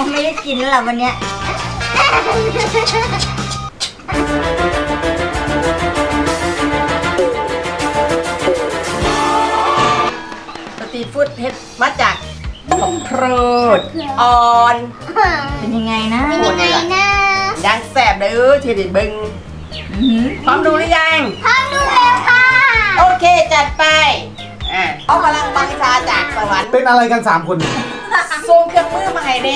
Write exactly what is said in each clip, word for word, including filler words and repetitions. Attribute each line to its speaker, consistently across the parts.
Speaker 1: ไม่ได้กินแล้วล่ะวันเนี้ย
Speaker 2: สตรีทฟู้ดเฮ็ดมาจากของโปรดอ่อน
Speaker 1: เป็นยังไงนะ
Speaker 3: เป็นยังไงนะ
Speaker 2: ยังแสบเด้อทีดิบึงพร้อมดูหรือยัง
Speaker 3: พร้อมดูแล้วค่ะ
Speaker 2: โอเคจัดไปอ่ะเอาพลังบังชาจากสวรรค์
Speaker 4: เป็นอะไรกันสามคน
Speaker 2: ส่งเครื่องมือมาให้เด้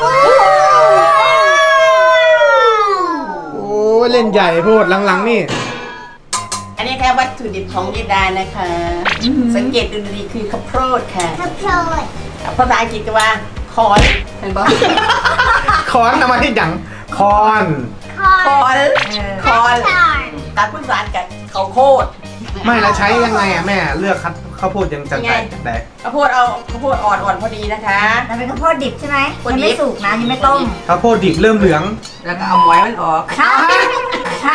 Speaker 4: โอ้เล่นใหญ่โพดหลังๆนี่
Speaker 2: อันนี้แค่วัตถุดิบของยิดานะคะ สังเกตดูดีๆคือข้าวโพดค่ะ
Speaker 3: ข้าวโพด
Speaker 2: ภาษาอังกฤษก็ว่าคอนเห็นปะ
Speaker 4: คอนเอามาที่หยังคอน
Speaker 3: คอ
Speaker 2: คอนคอน
Speaker 3: สอน
Speaker 2: ตาคุณสารกับข้าวโพด
Speaker 4: ไม่แล้วใช้ยังไงอ่ะแม่เลือกคัดข้าวโพดยังจังไงแต่
Speaker 2: ข้าวโพดเอาข้าวโพดอ่อนๆพอดีนะคะ
Speaker 1: มันเป็นข้าวโพดดิบใช่ไหม
Speaker 2: ข้าวโพด
Speaker 1: ยัง
Speaker 2: ดิบ
Speaker 1: ไม่สุกนะยังไม่ต้ม
Speaker 4: ข้าวโพดดิบเริ่มเหลือง
Speaker 2: แล้วก็เอาหมอยมันออก
Speaker 1: ค่ะค่ะ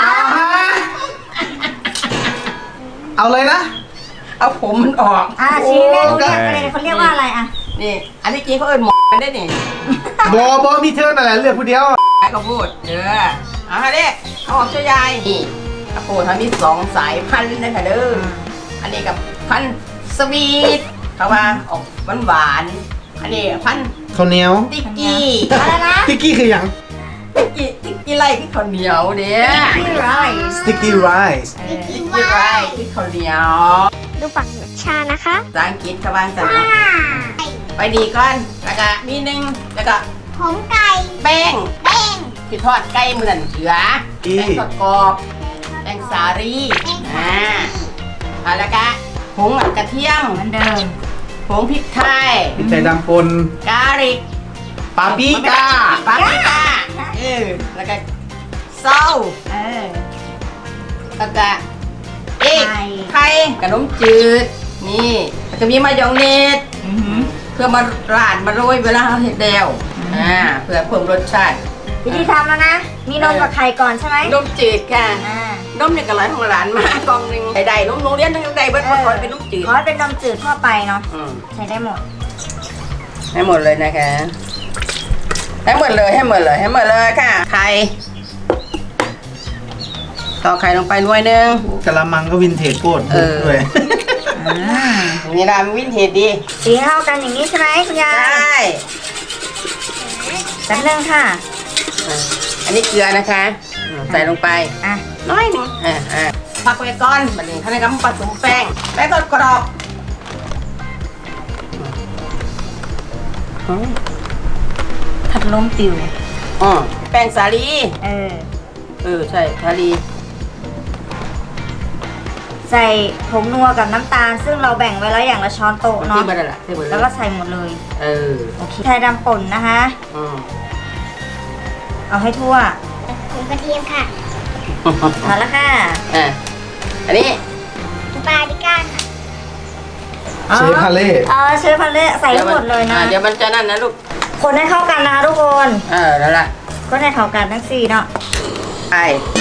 Speaker 4: เอาเลยนะ
Speaker 2: เอาผมมันออก
Speaker 1: อ่ะชี้แม่รู้เรียกอะไรเขาเรียกว่าอะไรอ่ะ
Speaker 2: นี่อันนี้กี้เขาเอิ้นหมอมันได้นี่
Speaker 4: บอบอมีเธอนั่นแหละเลือกผู้เดียว
Speaker 2: ไอ้ข้าวโพดเด้อเอาค่ะเด็กข้าวหอมเจ้ายายนี่ข้าวโพดทั้งมีสองสายพันธุ์นะคะเด้ออันนี้กับพันธุ์สวีทเขาว่าออกหวานหวานๆอันนี้พันธุ์
Speaker 4: ข้าวเหนียว
Speaker 2: ติ๊กกี้
Speaker 1: อะไรนะ
Speaker 4: สติ๊กกี้คือหยัง
Speaker 2: ติ๊กกี้ติ๊กกี้ไล่ที่ข้าวเหนียวเด้อ
Speaker 1: พี่ไร
Speaker 4: สติ๊กกี้ไรซ์
Speaker 2: ติ๊กกี้ไล่ที่ข้าวเหนียว
Speaker 3: ดูฝั่งชานะคะ
Speaker 2: ภาษาอังกฤษเขาว่าจะไปดีก่อนแล้วก็มีหนึ่งแล้วก็
Speaker 3: ผมไก่
Speaker 2: แป้ง
Speaker 3: แป้ง
Speaker 2: ที่ทอดไก่มือนั่นเถือแป้งทอดกรอบแป้งสาลีอ่าเอาแล้วก็ผงกระเทียม
Speaker 1: เหมือนเดิม
Speaker 2: ผงพริกไทย
Speaker 4: พริกไทยดำปน
Speaker 2: กาลิก
Speaker 4: ปาปริก้า
Speaker 2: ปาปริก้าเออแล้วก็เส้า
Speaker 1: เออ
Speaker 2: แล้วก็เอก
Speaker 1: ไข่
Speaker 2: ไข่ขนมจืดนี่แล้วก็มีมายองเนส
Speaker 1: อือหือ
Speaker 2: เพื่อมาราดมาโรยเวลาเราเห็ดเดวอ่าเพื่อเพิ่มรสชาติ
Speaker 1: วิธีทำแล้วนะ มีนมกับไข่ก่อนใช่ไหม
Speaker 2: นมจืดค่ะ
Speaker 1: อ่า
Speaker 2: นมเนี่ยก็ร้อยของร้านมากล่องหนึ่งใดๆนมโรงเรียนทั้งใดเบิด
Speaker 1: เอ
Speaker 2: มา
Speaker 1: อ
Speaker 2: ขอเป็นนมจืด
Speaker 1: ขอให้เป็นนมจืดทั่วไปเนาะ
Speaker 2: อืม
Speaker 1: ใช้ได้หมด
Speaker 2: ให้หมดเลยนะคะให้หมดเลยให้หมดเลยให้หมดเลยค่ะไข่ต่อไข่ลงไปหน่วยหนึง
Speaker 4: กะละมังก็วินเทจโคตร
Speaker 2: เออ
Speaker 4: ด้วย
Speaker 1: อ่า
Speaker 2: นี่ละมันวินเทจดี
Speaker 1: สีเท่ากันอย่างนี้ใช่ไหมคุณยา
Speaker 2: ใช่
Speaker 1: ยแป๊บนึงค่ะ
Speaker 2: อ่ะอันนี้เกลือนะคะอืมใส่ลงไป
Speaker 1: อ่ะ
Speaker 2: น้อยหนึงอ่าอ่าพักไว้ก่อนบัดนี้ท่านกำลังผสมแป้งแป้งทอดกรอบอืม
Speaker 1: ผัดลมติว
Speaker 2: อืมแป้งสาลี
Speaker 1: เออ
Speaker 2: เออใช่สาลี
Speaker 1: ใส่ผงนัวกับน้ำตาล ซึ่งเราแบ่งไว้แล้วอย่างละช้อนโต๊ะเนาะ
Speaker 2: ที่บ้านนั่นแหละที่บ้าน
Speaker 1: แล้วก็ใส่หมดเลย
Speaker 2: เออ
Speaker 1: โอเคไทยดำป่นนะคะ
Speaker 2: อืม
Speaker 1: เอาให้ทั่ว
Speaker 3: ผงกระเทียมค่ะ
Speaker 1: เอาละค่ะ
Speaker 2: อ่ะอันนี้
Speaker 3: ปาปริก้าค่ะ
Speaker 4: เชฟพาเล่
Speaker 1: เออเชฟพันเล่ใส่ให้หมดเลยนะ
Speaker 2: อ่ะเดี๋ยวมันจะนั่นนะลูก
Speaker 1: คนให้เข้ากันนะคะทุกคน
Speaker 2: เออแล้วล่ะ
Speaker 1: ก็ให้เข้ากันทั้งสี่เนาะ
Speaker 2: ไป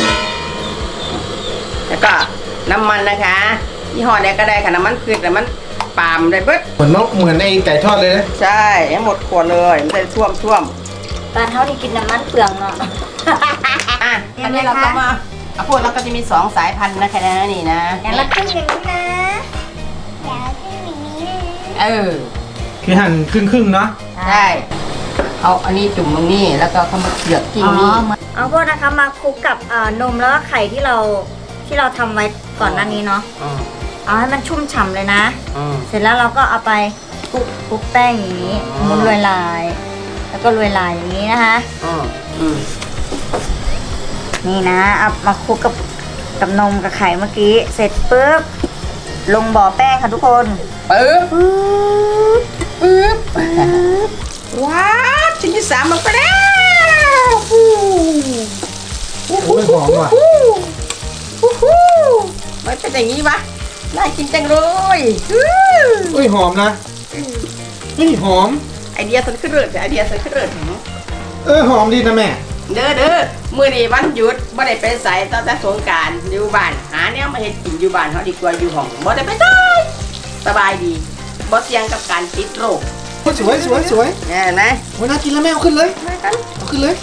Speaker 2: แล้วก็น้ำมันนะคะยี่ห้อใดก็ได้ค่ะน้ำมันพืชน้ำมันปาล์มได้เบิด
Speaker 4: เหมือนนกเหมือนไอ้ไก่ทอดเลยนะ
Speaker 2: ใช่ให้หมดขวดเลยมันจะท่วมท่วม
Speaker 1: ตอนเท่าที่กินน้ำมันเปลืองเนาะ
Speaker 2: อ่ะ
Speaker 1: เตรีย
Speaker 2: อั
Speaker 1: ม
Speaker 2: น
Speaker 1: เลย
Speaker 2: นี้เราก็
Speaker 1: ค่ะ
Speaker 2: มาเอาพวกเราก็จะมีสองสายพันธุ์นะคะนะนี่นะ
Speaker 1: อย่างละครึ่งอย่างนี้นะ
Speaker 3: เดี๋ยวขึ้นอย่างนี้นะ
Speaker 2: เออ
Speaker 4: คือหั่นครึ่งๆเนาะ
Speaker 2: ใช่เอาอันนี้จุ่มตรงนี้แล้วก็เข้ามาเกลือกกิ้ง
Speaker 1: อ๋อ
Speaker 2: นี่
Speaker 1: เอาพวกนะคะมาคลุกกับเอ่อนมแล้วก็ไข่ที่เราที่เราทำไว้ก่อนหน้านี้เนาะ
Speaker 2: อืม
Speaker 1: เอาให้มันชุ่มฉ่ำเลยนะ
Speaker 2: อืม
Speaker 1: เสร็จแล้วเราก็เอาไปคลุกคลุกแป้งอย่างนี้
Speaker 2: อ๋อ
Speaker 1: หมุนลอยลายแล้วก็ลอยลายอย่างนี้นะคะ
Speaker 2: อืมอืม
Speaker 1: นี่นะเอามาคลุกกับกับนมกับไข่เมื่อกี้ เสร็จปุ๊บลงบ่อแป้งค่ะทุกคน
Speaker 2: ปึ๊บ
Speaker 1: ปึ๊บ
Speaker 2: ปึ๊บว้าวชิ้นที่สามลงไปแล้วฟู
Speaker 4: โอ้ยหอมว่ะ
Speaker 2: ฟูฟูมันเป็นอย่างนี้วะน่ากินจังเลยอื้อ
Speaker 4: อุ้ยหอมนะนี่หอม
Speaker 2: ไอเดียสันขึ้นเรือไอเดียสันขึ้นเรือ
Speaker 4: เออหอมดีนะแม่
Speaker 2: เด้อเด้อมื้อนี้วันหยุดบ่ได้ไปไสตั้งแต่สงกรานต์อยู่บ้านหาแนวมาเฮ็ดกินอยู่บ้านเฮาดีกว่าอยู่ห้องบ่ได้ไปไสสบายดีบ่เสี่ยงกับการติดโรค
Speaker 4: โอ้ยสวยสวยสวย
Speaker 2: เนี่ยเห็นไหม
Speaker 4: โอ้ยน่ากินแล้วแม่เอาขึ้นเลย
Speaker 2: มากัน
Speaker 4: เอาขึ้นเลย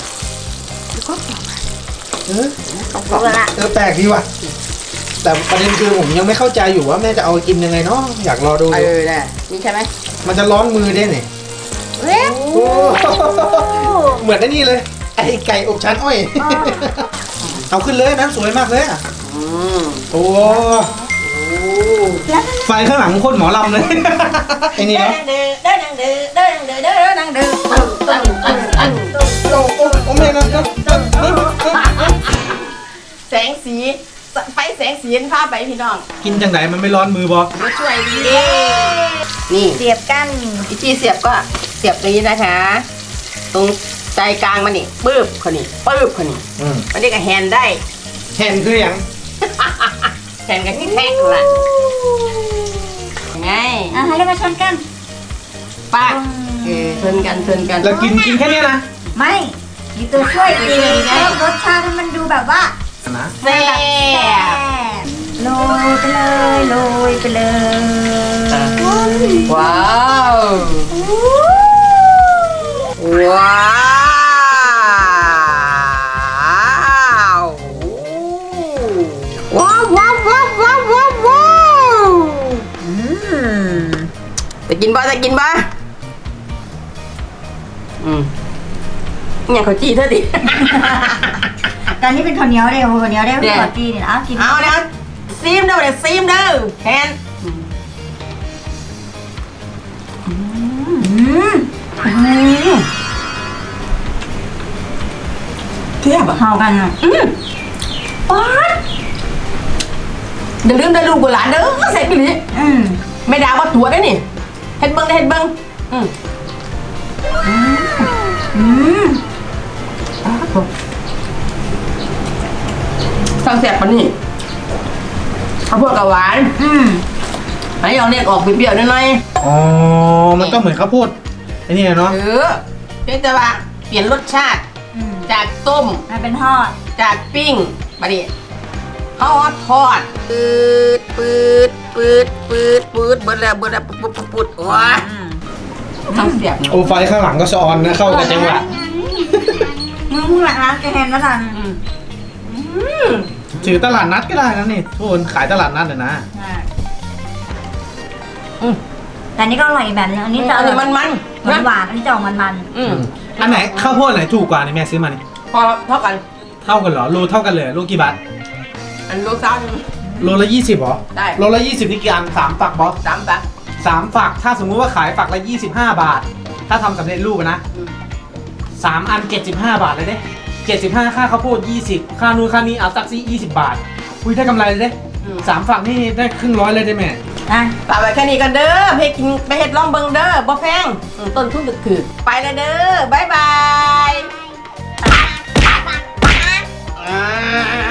Speaker 4: เออ
Speaker 1: รู้ละ
Speaker 4: เออแปลกดีว่ะแต่ประเด็นคือผมยังไม่เข้าใจอยู่ว่าแม่จะเอากินยังไงเนาะอยากรอดู
Speaker 2: เออเนี่ยนี่ใช่ไหม
Speaker 4: มันจะร้อนมือได้เนี่ย
Speaker 1: เว้ย
Speaker 4: โอ้เหมือนไอ้นี่เลยไอ้ไก่อบชั้นอ้อย เอาขึ้นเลยนะสวยมากเลยอ่ะ
Speaker 2: อืม
Speaker 4: โอ้
Speaker 2: โอ้
Speaker 4: ไฟข้างหลังโคตรหมอลำเลย ไอ้นี่
Speaker 2: เด้อ
Speaker 4: เนาะ
Speaker 2: เด้อเด้อนังเด้อเด้อนังเด้อเด้อนังเด้อตั้งตั้งตั้ง
Speaker 4: โอ้โอ้โอ้แม่นะ
Speaker 2: แสงสีไฟแสงสีพาไปพี่น้อง
Speaker 4: กินจังไหนมันไม่ร้อนมือบอ
Speaker 2: มาช่วยดีเด้นี่
Speaker 1: เสียบกัน
Speaker 2: วิธีเสียบก็เสียบตรงนี้นะคะ ตรงใจกลางมันนี่ปึ๊บคนนี้ปึ๊บคนนี้
Speaker 4: อืม
Speaker 2: มันเรียกว่าแฮนด์ได้
Speaker 4: แห่นคืออย่าง
Speaker 2: แฮนด์กันที่แท็กละยังไง
Speaker 1: อ่ะให้เรามาชนกัน
Speaker 2: ป้าเออเทินกันเทินกัน
Speaker 4: แล้วกินกินแค่เนี้ยนะ
Speaker 1: ไม่มีตัวช่วยอีกเพิ่มรสชาติให้มันดูแบบว่า
Speaker 4: นะ
Speaker 2: แซ่บ
Speaker 1: โรยไปเลยโรยไปเลย
Speaker 2: ว้าวว้าวว้าวว้าวว้าวว้าวว้าวว้าว
Speaker 1: อืม
Speaker 2: จะกินบ่จะกินบ่อืมเนี่ยเขาจี้เธอดิ
Speaker 1: ตอนนี้เป็นข้าวเหนียวเด้อข้าวเหนียวเด้อ
Speaker 2: เนี่ย
Speaker 1: ขอตีนี่นะเอากิน
Speaker 2: เอาเนี่ยซีมเด้อเดี๋ยวซีมเด้อแทน
Speaker 1: อืม
Speaker 2: เทียบอ่ะ
Speaker 1: เข้ากันอ่ะ
Speaker 2: อืมป๊าดอย่าลืมได้ลูกกับหลานเด้อเสร็จไปเลย
Speaker 1: อืม
Speaker 2: ไม่ด่าว่าตัวได้นี่เฮ็ดเบิ้งได้เฮ็ดเบิ้งอืม
Speaker 1: อืม
Speaker 2: สั่งแสบปะนี่ข้าวโพดกับหวาน
Speaker 1: อืม
Speaker 2: อันนี้เอาเน็ตออกเปรี้ยวๆหน่อย
Speaker 4: อ๋อมันก็เหมือนข้าวโพดไอ้นี่
Speaker 2: ๆ
Speaker 4: เนาะ
Speaker 2: เออเพียงแต่ว่าเปลี่ยนรสชาติ
Speaker 1: อืม
Speaker 2: จากต้ม
Speaker 1: มันเป็นทอด
Speaker 2: จากปิ้งมาดิข้าวทอดปืดปืดปืดปืดปืดเบิดแล้วเบิดแล้วปุ๊บปุ๊บปุ๊บปุ๊บว้า
Speaker 1: อืม
Speaker 2: ทั้งเสียบ
Speaker 4: โอ้ไฟข้างหลังก็สะออนนะเข้ากับจังหวะ
Speaker 1: มึงพูดหลังร้านแกแฮนมาทัน
Speaker 2: อืม
Speaker 4: ถือตลาดนัดก็ได้นะนี่ทุกคนขายตลาดนัดเลยนะ
Speaker 1: อ่า
Speaker 2: อืม
Speaker 1: แต่อันนี้ก็อร่อยอีกแบบนึงอันนี้จะ
Speaker 2: อันนี้มันมัน
Speaker 1: หวานหวานๆอันนี้จะออกมันมัน
Speaker 2: อืม
Speaker 4: อันไหนข้าวโพดไหนถูกกว่านี่แม่ซื้อมานี่
Speaker 2: พอเท่ากัน
Speaker 4: เท่ากันเหรอโลเท่ากันเลยโลกี่บาท
Speaker 2: อันโลซ่าหนึ่ง
Speaker 4: โลละยี่สิบเหรอ
Speaker 2: ได้
Speaker 4: โลละยี่สิบนี่กี่อันสามฝักบอส
Speaker 2: สามตัก
Speaker 4: สามฝักถ้าสมมุติว่าขายฝักละยี่สิบห้าบาท ถ้าทำสำเร็จรูปอะนะ
Speaker 2: อืม
Speaker 4: สามอันเจ็ดสิบห้าบาทเลยเด้เจ็ดสิบห้าค่าข้าวโพดยี่สิบค่านู่นค่านี้เอาตักซี่ยี่สิบบาทอุ้ยได้กำไรเลยเด้
Speaker 2: อืม
Speaker 4: สามฝักนี่ได้ครึ่งร้อยเลยได้แม่
Speaker 1: ๆอ่ะ
Speaker 2: ฝากไว้แค่นี้กันเด้อไปกินไปเฮ็ดล่องเบิงเด้อบ่แพงอืมต้นทุนถือๆไปแล้วเด้อบ๊ายบายอ่า